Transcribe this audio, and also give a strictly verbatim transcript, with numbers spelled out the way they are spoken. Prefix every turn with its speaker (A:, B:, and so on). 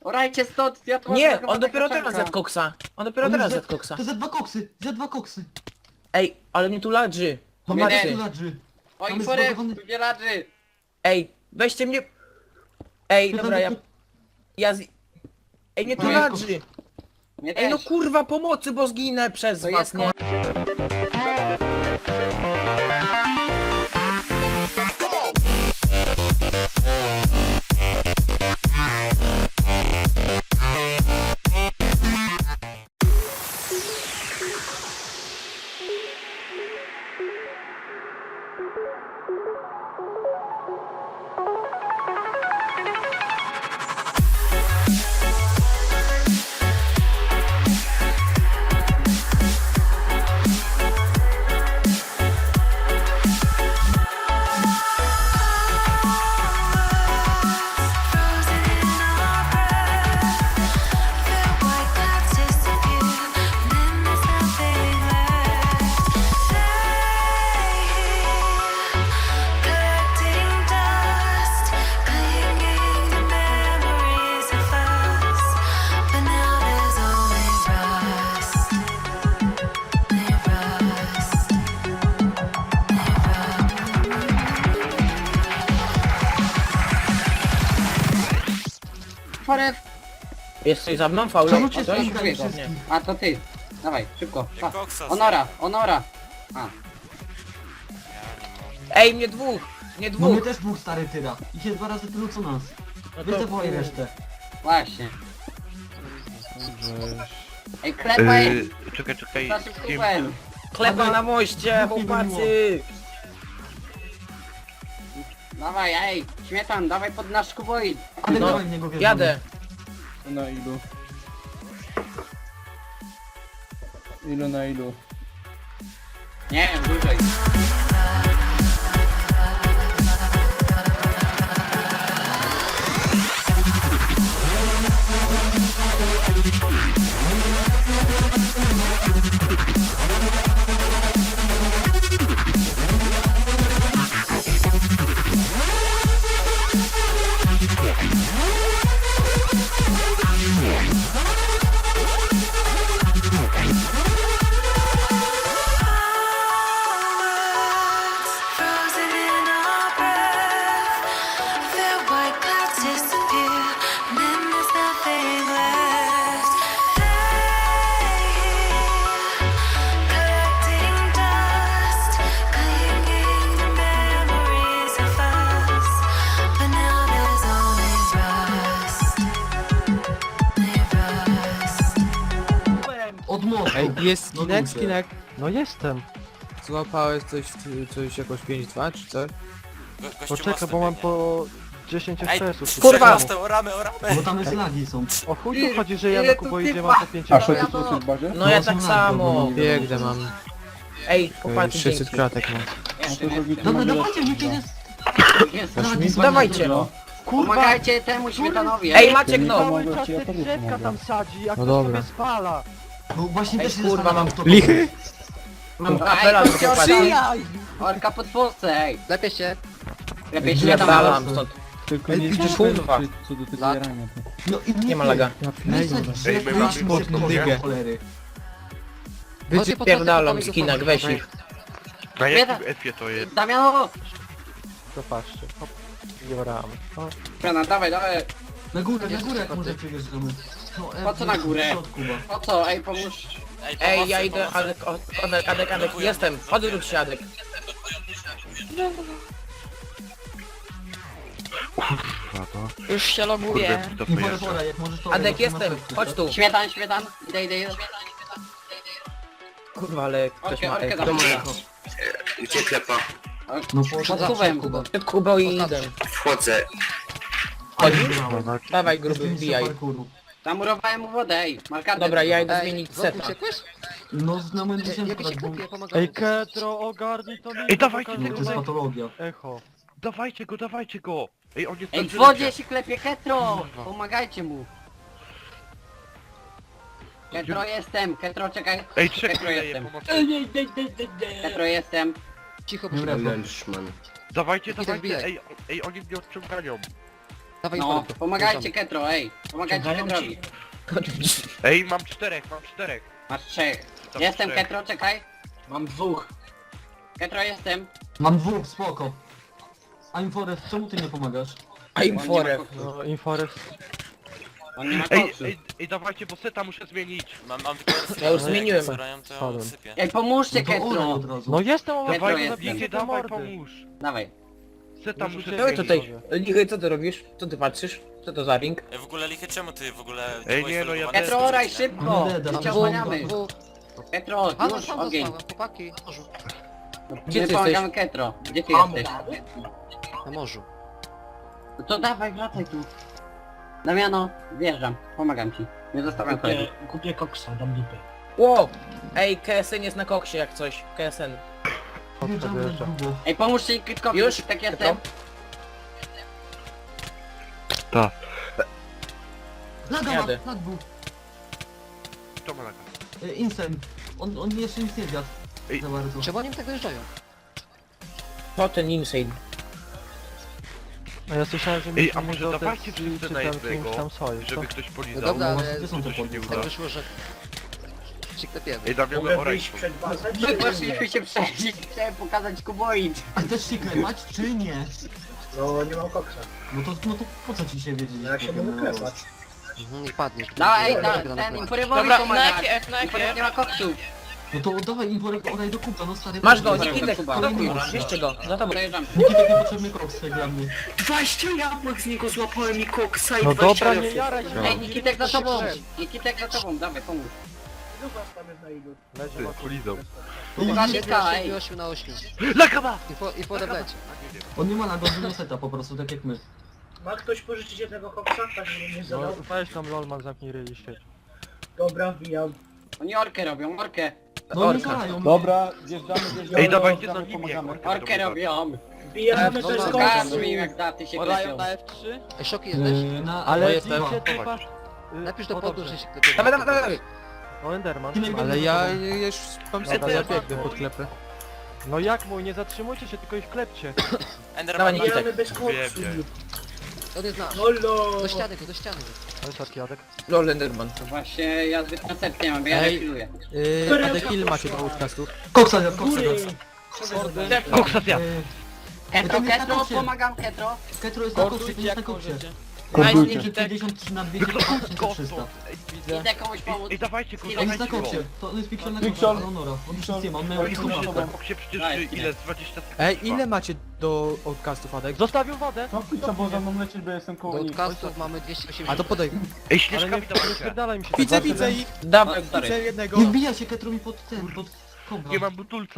A: Orajcie stąd, ja tu mam
B: Nie,
A: taką
B: on dopiero
A: taką
B: teraz
A: czankę.
B: zjadł koksa. On dopiero
C: On
B: teraz
C: już
B: zjadł
C: za-
B: koksa.
C: To za dwa koksy, za dwa koksy.
B: Ej, ale mnie tu ladrzy.
C: Mam
A: Nie,
B: Pomocy.
A: nie.
C: ladży.
A: Oj,
C: Tam jest
A: fory,
C: zbagowany-
A: wybielaczy.
B: Ej, weźcie mnie... Ej,
C: Pytam,
B: dobra, ja...
C: jak-
B: Ja z... Ej, mnie tu
A: No,
B: ladrzy.
A: Mnie
B: Ej, no
A: też.
B: kurwa, pomocy, bo zginę przez
A: To
B: was,
A: jest
B: nie?
A: Fory.
B: Jesteś za mną, Faulo?
C: Czemu cię
B: Coś?
C: ścigają
B: Nie.
C: wszystkich?
A: A to ty. Dawaj, szybko.
D: Nie
A: Pa.
D: koksa
A: Onora, Onora. A,
B: Ej, mnie dwóch! Mnie
C: No my
B: dwóch!
C: też dwóch stary tyra. Ich jest dwa razy tylu co nas.
B: No
C: Wy zawołaj resztę.
A: właśnie. Ej, klepaj.
E: Yy, czekaj, czekaj.
A: Naszym
E: Kim-
A: klubem.
B: Chleba na moście,
C: Dwóch mi
B: chłopacy!
A: Dawaj, ej, śmietan, dawaj pod nasz kuboid.
C: Ale
B: No,
C: dawaj w niego wjeżdżamy.
B: jadę.
F: Na ilu? Ilu na ilu?
A: Nie, dłużej.
G: Frozen in our breath, the white clouds disappear, and then there's nothing left. Collecting dust, clinging to memories of us, but now there's only rust. Only rust.
C: Od mostu.
H: Ej, jest
C: No
H: skinek,
C: ludzie.
H: skinek. No jestem. Złapałeś coś, coś jakoś pięć dwa czy coś?
D: Go, gościu
H: Poczekaj,
D: mostem
H: bo mam
D: biegnie.
H: po dziesięć
D: Ej,
H: ekspresów.
B: Kurwa!
D: Mostem, oramy, oramy!
C: Bo tam jest lagi są.
H: O chuj tu chodzi, że ja
A: Ile
H: na
A: tu
H: kuboidzie
A: typa?
H: mam po pięć
F: A
H: ekspresów.
F: sześć słyszysz w bazie?
B: No ja
C: są
B: tak
C: lagi
B: samo.
C: ogólnie.
H: Biegnę, mam
B: Ej, chłopacy,
H: sześćset
B: dzięki.
H: kratek mam.
F: A to zrobić
C: Dobra,
F: na
C: dawajcie, niech
F: bilet.
C: jest.
A: Jest.
C: Lagi są
B: Dawajcie.
C: dużo.
A: Pomagajcie temu śmietanowi.
B: Ej, Maciek, no!
F: Cały czas te drzewka tam
H: sadzi, jak no dobra. spala.
C: Bo właśnie
B: Ej,
C: też
B: kurwa,
C: zastanawiam,
B: mam
C: kto-
H: Lichy!
B: Mam
A: Ej,
B: kapela do
A: chodźcie,
B: chłopacy.
A: orka. Orka pod Polsce, ej.
H: Lepiej się.
A: Lepiej
C: Ej,
A: śmietan.
B: Napierdalam stąd.
F: Tylko
C: Ej,
F: nie
C: widzisz,
B: kurwa.
F: co do tego
H: Lat.
F: jarania.
C: No i
B: Nie ma laga.
C: Nie chcę
E: Ej,
C: drzew,
E: my
C: wyjdźmy
E: mamy
C: z
E: mocną
C: tego
E: nogę.
C: cholery.
B: Pierdalam skinak, weź ich.
E: Na jakim F-ie to jest?
A: Damiano!
H: To patrzcie. Hop. Joram. O,
A: Śmietana, dawaj, dawaj.
C: Na górę, na górę jak może przyjeżdżamy. No,
A: Po co na górę?
C: w środku, bo-
A: Po co? Ej, pomóż.
D: Ej,
B: Ej,
D: pomocy,
B: ja idę,
D: pomocy.
B: Adek, o- Adek, Adek, Adek, jestem. Odwróć się, Adek.
E: Kurwa, to...
I: Już się
E: Kurde,
I: loguję.
E: to
C: Nie
E: pojeżdża.
C: pora, jak możesz to...
B: Adek,
C: to na
B: jestem.
C: środku,
B: Chodź
C: tak?
B: tu.
A: Śmietan, śmietan. Idę, idę, idę.
B: Kurwa, ale ktoś
A: Orkę,
B: ma
A: orkę
B: eko.
A: dawaj.
J: Gdzie klepa?
C: No
A: Pod kubem.
B: Przed Kubą i idę.
J: Wchodzę.
B: Chodzisz?
C: Dobra.
B: Dawaj, gruby, wbijaj.
A: Zamurowałem mu wodę, ej. Markardę.
B: Dobra, ja idę zmienić seta.
C: No na momencie się akurat, bo...
H: Ej, Ketro, ogarnij to mi.
E: Ej, dawajcie
C: No, to
E: tego,
C: jest
E: daj-
C: patologia.
H: Echo.
E: dawajcie go, dawajcie go! Ej, on jest
A: Ej,
E: na
A: w wodzie
E: żylecie.
A: się klepie Ketro! Pomagajcie mu. Ketro jestem, Ketro czekaj.
E: Ej, czekaj,
A: Ketro
E: daję
A: jestem.
E: pomoc.
A: Ketro jestem.
J: Cicho, Lelszman.
E: Dawajcie,
H: tak
E: dawajcie,
H: wbijaj.
E: ej, ej, oni mnie odciągają.
I: Dawaj,
A: No,
I: Info.
A: pomagajcie Ketro, ej. Pomagajcie Ketrowi.
E: Ej, mam czterech, mam czterech.
A: Masz trzech.
E: Tam
A: Jestem
E: trzech.
A: Ketro, czekaj.
C: Mam dwóch.
A: Ketro jestem.
C: Mam dwóch, spoko. I'm Forest, czemu ty nie pomagasz?
B: I'm
A: On nie ma
B: forever.
A: koksu.
H: No, Inforest.
A: On nie ma
E: Ej,
A: koksu.
E: ej, ej, dawajcie, bo seta muszę zmienić.
D: Mam, mam tylko
B: Ja już zmieniłem.
D: Zbierają, to
H: Spadłem.
D: sypię.
A: Ej, pomóżcie
C: No to olej
A: Ketro.
C: od razu.
H: No jestem,
A: Ketro
H: ale
E: Dawaj,
A: jest.
E: Lichie,
H: do
E: dawaj,
H: mordy.
E: pomóż.
A: Dawaj.
E: Seta
H: Muszę
E: muszę
H: cię
B: No
E: zmienić.
B: tutaj, Lichaj, co ty robisz? Co ty patrzysz? Co to za ring?
D: Ej, w ogóle Lichy, czemu ty w ogóle...
E: Ej,
D: byłeś
E: nie, no ja
D: wylogowany?
A: Ketro, oraj szybko.
C: No, Deda,
A: My cię
C: no,
A: osłaniamy.
I: Dwóch.
A: Ketro,
I: A, no
A: już
I: sam
A: ogień.
I: zostałem, chłopaki. Na morzu.
B: Gdzie
A: My
B: ty
A: pomagamy Ketro. Gdzie ty jesteś?
I: Na morzu.
A: No to dawaj, wracaj tu. Damiano, wjeżdżam. Pomagam ci. Nie zostawiam kolegów.
F: Kupię koksa, dam dupę.
B: Wow! Ej, K S N jest na koksie jak coś. K S N.
C: Wjeżdżamy na grubo.
A: Ej, pomóżcie Kitkowi,
B: Już?
A: tak jestem.
E: Tak.
C: Laga ma,
B: Jadę.
C: lag był.
E: To ma laga.
C: E, Insem. On, on jeszcze nic nie zjadł.
E: Ej.
C: Za bardzo.
I: Czemu oni tak dojeżdżają?
B: To ten insane.
H: A ja słyszałem, że
E: Ej, a
H: musimy
E: może
H: go
E: dawajcie
H: też-
E: wszyscy
H: czy
E: na
H: tam
E: jednego,
H: kimś tam sojusz, to-
E: żeby ktoś
I: No
E: polizał.
I: dobra,
C: właśnie,
I: ale
C: gdzie są te
E: to się nie
C: podpisy?
E: uda.
I: tak wyszło, że... Się klepiemy.
E: Ej, Damiano, oraj.
A: My poszliśmy się przeżyć, chciałem pokazać kuboid.
C: A też się klepać, czy nie?
F: No, nie mam koksa.
C: No to, no to po co ci się wiedzieć?
F: Jak się mogę klepać?
I: Mhm, i padniesz.
A: No ej,
I: Dobra,
A: da,
I: dobra,
A: ten
I: dobra.
A: Inforemowi
B: Dobra,
A: pomaga.
B: na F, na F,
A: Inforem nie ma koksu.
C: No to dawaj Inforek, oraj do kupa, no stary.
B: Masz go,
A: Dobra,
B: Nikitek,
A: Kuba.
B: blokuj, bierzcie go, za tobą.
A: Dojeżdżam.
C: Nikitek niepotrzebny koks dla mnie.
J: dwadzieścia jabłek z niego złapałem i koksa i
H: No
J: dwadzieścia
H: dobra, nie
J: jabłek.
H: jaraj się.
A: Ej, Nikitek za tobą. Nikitek za tobą, dawaj, pomóż.
H: Leży
E: Ty,
H: wokół.
E: polizał.
A: Kuba,
I: Siedmiu,
A: Nitka, ej.
I: siedmiu, ośmiu na ośmiu.
E: Laga ma!
I: I po, i po odebrać.
C: On nie ma laga, on seta po prostu, tak jak my.
F: Ma ktoś pożyczyć jednego koksa? Tak, żebym nie
H: No
F: zadał.
H: weź tam Lolman, zamknij ryj i świeć.
F: Dobra, wbijam.
A: Oni orkę robią, orkę.
C: No nie
B: Orka.
C: zalają.
F: Dobra, wjeżdżamy, wjeżdżamy.
E: Ej, dawajcie za
F: wjeżdżamy,
E: nimi,
F: pomagamy.
E: jak
A: Orkę robią.
F: Wbijamy
I: No,
F: bez
I: no,
A: Pokaż
F: koksu.
A: mi jak daty się klepią.
I: Ej, Szoki jesteś?
C: Yy, na,
H: Ale
C: ale
H: jestem.
C: Diva.
H: typa... y,
I: Napisz do
H: o,
I: podu,
H: dobrze.
I: że się klepiemy.
B: Dawaj, dawaj, dawaj.
H: O, Enderman.
C: Ty najpierw
H: Ale
C: do
H: ja
C: przodu.
H: już mam
B: Dobra,
H: setę, ja
B: ja
H: biegnę pod klepę. No jak mój, nie zatrzymujcie się, tylko ich klepcie.
D: Enderman,
B: Dawaj,
D: ma-
B: Nikitek.
F: Wbijamy bez koksu.
E: Wiem, wiem.
I: On jest nasz.
F: Holo!
I: Do ściany go, do ściany go.
H: Ale sorki, Adek.
B: Lol Enderman.
A: To właśnie ja zbyt koncepcji nie mam, bo ja
H: Ej.
A: refiluję.
H: Yy, Adek, ile macie do podcastów?
C: Koksa zjadł, koksa
F: Góry!
C: zjadł.
E: Koksa zjadł.
C: Yy,
A: Ketro,
C: tam jest na
A: Ketro,
C: koksie.
A: pomagam Ketro.
C: Ketro jest na koksie, to jest na koksie.
F: Kordujcie.
C: Nikitek pięćdziesiąt trzy na dwieście trzysta.
E: Ej,
A: Idę komuś pomóc.
E: ej, dawajcie go,
A: On
C: On jest na
E: dawajcie go.
C: koksie, to jest Pixel na
F: Pixel.
C: koksie, Honora. On już nic nie ma, on miał
E: Oj,
C: tylko
E: kurwa,
C: maszynę.
E: na koksie przecież
A: Daj,
E: y, ile? Z dwadzieścia sekund
H: Ej,
E: trwa.
H: ile macie do podcastów, Adek? Zostawił wodę!
F: No kurczę, bo za mną lecieć, bo jestem
I: Do
F: koło nich.
I: podcastów mamy dwieście osiemdziesiąt.
H: A to podaj.
E: Ej,
H: Ale
E: śnieżkami
H: nie, nie
E: dawajcie.
H: spierdalaj mi się.
F: Widzę, widzę
H: ich.
B: Dawaj,
H: Widzę
B: stary.
H: jednego.
C: Nie wbija się Ketro mi pod ten, pod kobra.
E: Nie mam butulca.